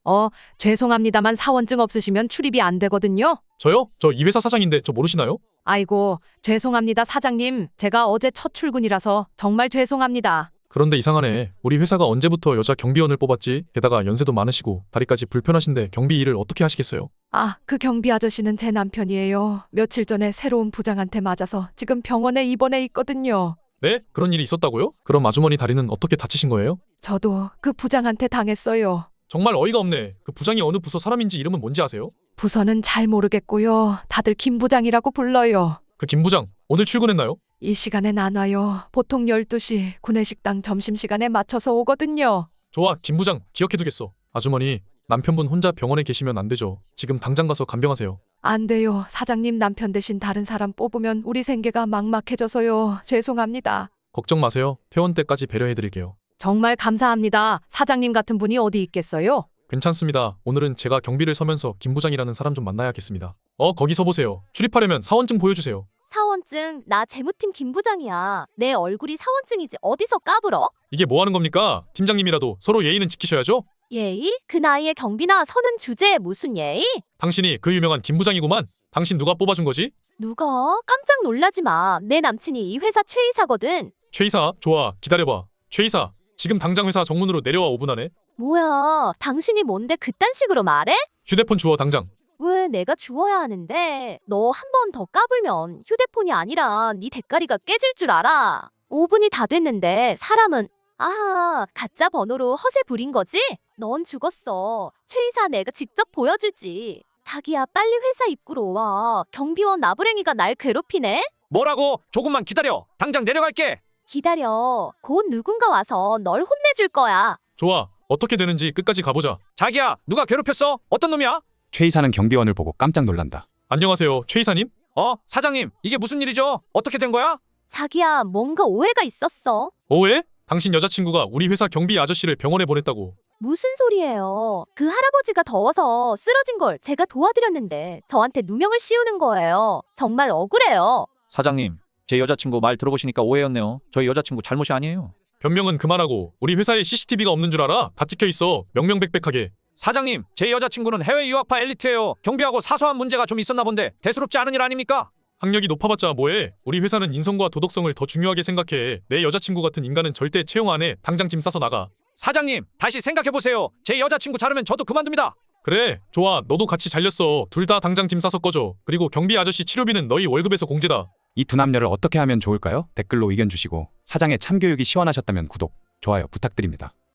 죄송합니다만 사원증 없으시면 출입이 안 되거든요. 저요? 저 이 회사 사장인데 저 모르시나요? 아이고, 죄송합니다, 사장님. 제가 어제 첫 출근이라서 정말 죄송합니다. 그런데 이상하네. 우리 회사가 언제부터 여자 경비원을 뽑았지? 게다가 연세도 많으시고 다리까지 불편하신데 경비 일을 어떻게 하시겠어요? 그 경비 아저씨는 제 남편이에요. 며칠 전에 새로운 부장한테 맞아서 지금 병원에 입원해 있거든요. 네? 그런 일이 있었다고요? 그럼 아주머니 다리는 어떻게 다치신 거예요? 저도 그 부장한테 당했어요. 정말 어이가 없네. 그 부장이 어느 부서 사람인지 이름은 뭔지 아세요? 부서는 잘 모르겠고요. 다들 김 부장이라고 불러요. 그 김 부장 오늘 출근했나요? 이 시간엔 안 와요. 보통 12시 구내식당 점심시간에 맞춰서 오거든요. 좋아, 김 부장 기억해두겠어. 아주머니, 남편분 혼자 병원에 계시면 안 되죠. 지금 당장 가서 간병하세요. 안 돼요. 사장님 남편 대신 다른 사람 뽑으면 우리 생계가 막막해져서요. 죄송합니다. 걱정 마세요. 퇴원 때까지 배려해드릴게요. 정말 감사합니다. 사장님 같은 분이 어디 있겠어요? 괜찮습니다. 오늘은 제가 경비를 서면서 김 부장이라는 사람 좀 만나야겠습니다. 거기 서보세요. 출입하려면 사원증 보여주세요. 사원증, 나 재무팀 김 부장이야. 내 얼굴이 사원증이지 어디서 까불어? 이게 뭐 하는 겁니까? 팀장님이라도 서로 예의는 지키셔야죠. 예의? 그 나이에 경비나 서는 주제에 무슨 예의? 당신이 그 유명한 김 부장이구만. 당신 누가 뽑아준 거지? 누가? 깜짝 놀라지 마. 내 남친이 이 회사 최이사거든. 최 이사, 좋아. 기다려봐. 최 이사, 지금 당장 회사 정문으로 내려와 5분 안에. 뭐야, 당신이 뭔데 그딴 식으로 말해? 휴대폰 주워 당장. 왜 내가 주워야 하는데? 너 한 번 더 까불면 휴대폰이 아니라 네 대가리가 깨질 줄 알아. 5분이 다 됐는데 사람은 가짜 번호로 허세 부린 거지? 넌 죽었어. 최이사 내가 직접 보여주지. 자기야 빨리 회사 입구로 와. 경비원 나부랭이가 날 괴롭히네? 뭐라고? 조금만 기다려. 당장 내려갈게. 기다려. 곧 누군가 와서 널 혼내줄 거야. 좋아. 어떻게 되는지 끝까지 가보자. 자기야, 누가 괴롭혔어? 어떤 놈이야? 최 이사는 경비원을 보고 깜짝 놀란다. 안녕하세요, 최 이사님. 사장님, 이게 무슨 일이죠? 어떻게 된 거야? 자기야 뭔가 오해가 있었어. 오해? 당신 여자친구가 우리 회사 경비 아저씨를 병원에 보냈다고. 무슨 소리예요? 그 할아버지가 더워서 쓰러진 걸 제가 도와드렸는데 저한테 누명을 씌우는 거예요. 정말 억울해요. 사장님, 제 여자친구 말 들어보시니까 오해였네요. 저희 여자친구 잘못이 아니에요. 변명은 그만하고 우리 회사에 CCTV가 없는 줄 알아? 다 찍혀있어. 명명백백하게. 사장님, 제 여자친구는 해외 유학파 엘리트예요. 경비하고 사소한 문제가 좀 있었나 본데 대수롭지 않은 일 아닙니까? 학력이 높아봤자 뭐해? 우리 회사는 인성과 도덕성을 더 중요하게 생각해. 내 여자친구 같은 인간은 절대 채용 안 해. 당장 짐 싸서 나가. 사장님, 다시 생각해보세요. 제 여자친구 자르면 저도 그만둡니다. 그래, 좋아. 너도 같이 잘렸어. 둘 다 당장 짐 싸서 꺼져. 그리고 경비 아저씨 치료비는 너희 월급에서 공제다. 이 두 남녀를 어떻게 하면 좋을까요? 댓글로 의견 주시고 사장의 참교육이 시원하셨다면 구독, 좋아요 부탁드립니다.